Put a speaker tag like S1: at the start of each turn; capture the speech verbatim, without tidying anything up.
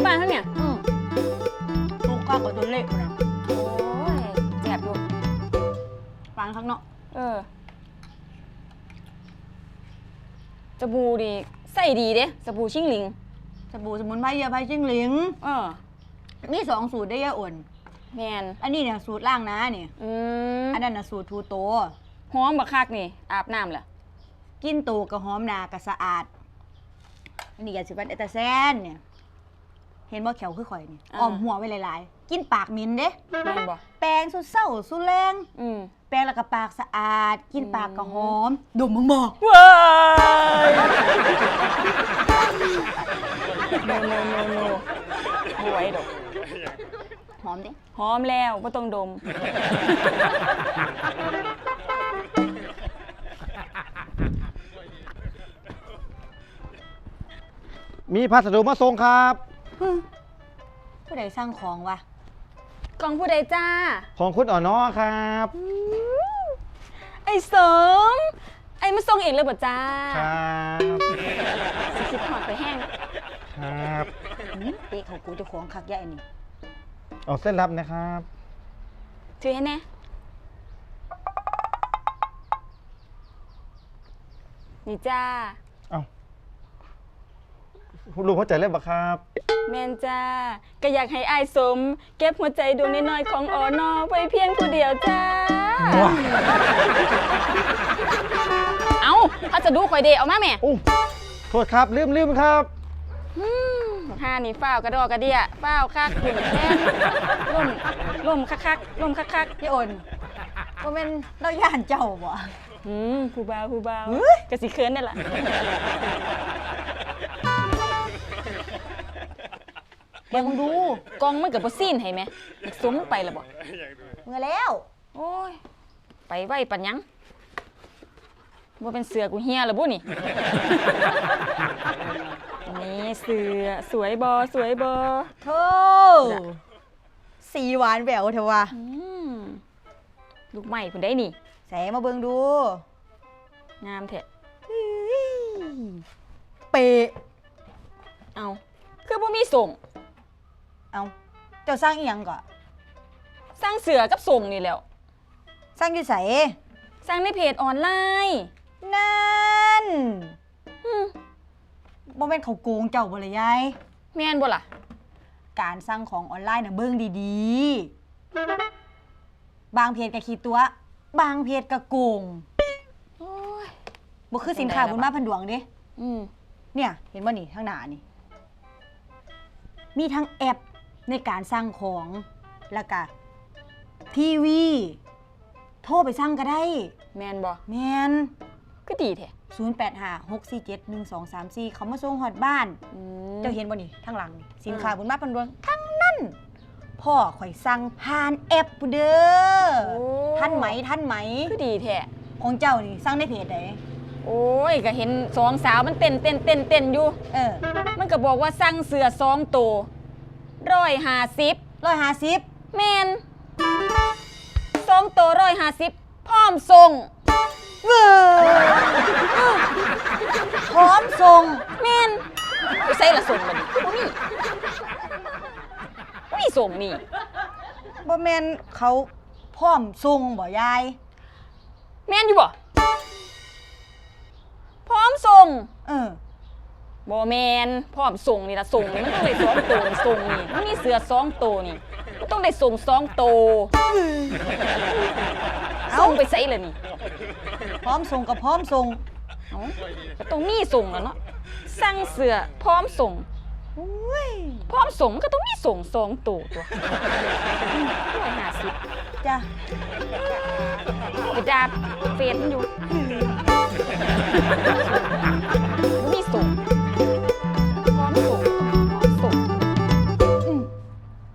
S1: บ้านเขาเนี่ย
S2: อืมลูกก้าวกับตัวเล็กนะ
S1: โอ้ยแจ็บอยู่
S2: ฟังข้างนอก
S1: เออสบู่ดิใส่ดีเด้สบู่ชิงหลิง
S2: สบู่สมุนไพรยาไพจิ้งหลิง
S1: เออ
S2: มีสองสูตรได้ยาอ่อน
S1: แมน
S2: อันนี้เนี่ยสูตรล่างนะเนี่ย
S1: อืม
S2: อันนั้นน่ะสูตรทูโต
S1: หอมบักคักนี่อาบน้ำเหรอ
S2: กินโตกับหอมนากะสะอาดอันนี้ยาสีฟันเอตาแซนเนี่ยเห็นว่าแขวคือข่อยนี่อ้อมหัวไว้หลายๆกินปากมินเด้
S1: แม่นบ่
S2: แปรงสุดเศร้าสุดแรง
S1: อืม
S2: แปรงแล้วก็ปากสะอาดกินปากก็หอมดมมึงบอก
S1: ว้ายโนโนโนโนบ่ไหวดอก
S2: หอมดิ
S1: หอมแล้วบ่ต้องดม
S3: มีพัสดุมาส่งครับ
S2: ผู้ใดสร้างของวะ
S1: กล่องผู้ใดจ้า
S3: ของคุณอ่อนน้อครับ
S1: ไอ้เสริมไอ้มาส่งเองเลยบ่จ้า
S3: ครับ
S1: สิคิดหอดไปแห้ง
S3: ครับ
S2: เป๊ะเขากูจะของคักใหญ่นี่
S3: ออกเส้นรับนะครับ
S1: ถือให้แน่นี่จ้า
S3: เอ้าลุงเข้าใจเล่นปะครับ
S1: แม่นจ้าก็อยากให้อายสมเก็บหัวใจดวงน้อยๆของออนอไว้เพียงผู้เดียวจ้าเอาถ้าจะดูข่อยเดเอามาแม่
S3: โอ้โทษครับลืมลืมครับ
S1: ห้านี่ฝ้าวกระดอกกระเดียฝ้าวคักขุ่นแน่นล่มล่มคักคักล่มคักคัก
S2: พี่อ่อนก็เป็นเราย่านเจ้าบ่
S1: อืมผู้บ่าวผู้บ่าวกระสีเคินนี่แหละ
S2: เดี๋ยวมึงดู
S1: กองมันกับบ่ซีนให้ไหมสมไปละบ่
S2: เมื่อแล้ว
S1: โอ้ยไปไว้ปัญญังบ่เป็นเสือกูเฮียละบุนี่นี่เสือสวยบอสวยบอ
S2: โธ่สีหวานแหววเถอะวะ
S1: ลูกใหม่คุณได้นี่
S2: แสมาเบิ่งดู
S1: งามเถอะ
S2: เปะ
S1: เอาคือบ่มีส่ง
S2: เอาเจ้าสร้างอีหยังก่อ
S1: สร้างเสือกับส่งนี่แล้ว
S2: สร้างอยู่ไส
S1: สร้างในเพจออนไลน์
S2: นั่นบ่แม่นเขาโกงเจ้าบ่ล่ะยาย
S1: แม่นบ่ล่ะ
S2: การสร้างของออนไลน์น่ะเบิ่งดีๆบางเพจก็ขี้ตัวบางเพจก็โกง
S1: โอ้ย
S2: บ่คือสินค้าบุญมาพันดวงเด้
S1: อืม
S2: เนี่ยเห็นบ่นี่ข้างหน้านี่มีทั้งแอปในการสร้างของแล้วก็ทีวีโทรไปสั่งก็ได้
S1: แม่นบ่
S2: แม่น
S1: ก็ดีแท้
S2: ศูนย์ แปด ห้า หก สี่ เจ็ด หนึ่ง สอง สาม สี่เขามาส่งฮอดบ้านเจ้าเห็นบ่นี่ข้างหลังนี่สินค้าบุญมาพันดวงทั้งนั้นพ่อข่อยสั่งผ่านแอปเด้อทันไหมทันไหม
S1: ก็ดีแท้
S2: ของเจ้านี่สั่งในเพจใด
S1: โอ้ยก็เห็นสองสาวมันเต้นเต้นเต้นเต้นอยู่
S2: เออ
S1: มันก็บอกว่าสั่งเสือสองตัวร้อยห้าสิบ
S2: ร้อยห้าสิบ
S1: แมนสองตัวร้อยห้าสิบพร้อมส่ง
S2: เว้อพร้อมส่ง
S1: แมนไม่ใช่ละส่งมันบ่มีบ่มีส่งนี่
S2: บ่แมนเขาพร้อมส่งบ่ยาย
S1: แมนอยู่บ่พร้อมส่ง
S2: เออ
S1: บ่แมนพร้อมส่งนี่ละส่งนี่มันต้องได้สองตัวนี่ส่งนี่มันมีเสือสองตัวนี่มันต้องได้ส่งสองตัวส่งไปไสล่ะนี่
S2: พร้อมส่งกับพร้อมส่ง
S1: เอ้าก็ต้องมีส่งแล้วเนาะสั่งเสือพร้อมส่ง
S2: โอ้ย
S1: พร้อมส่งมันก็ต้องมีส่งสองตัวตัวร้อยห้าสิบ
S2: จ้ะ
S1: กระดาษเฟซมันอยู่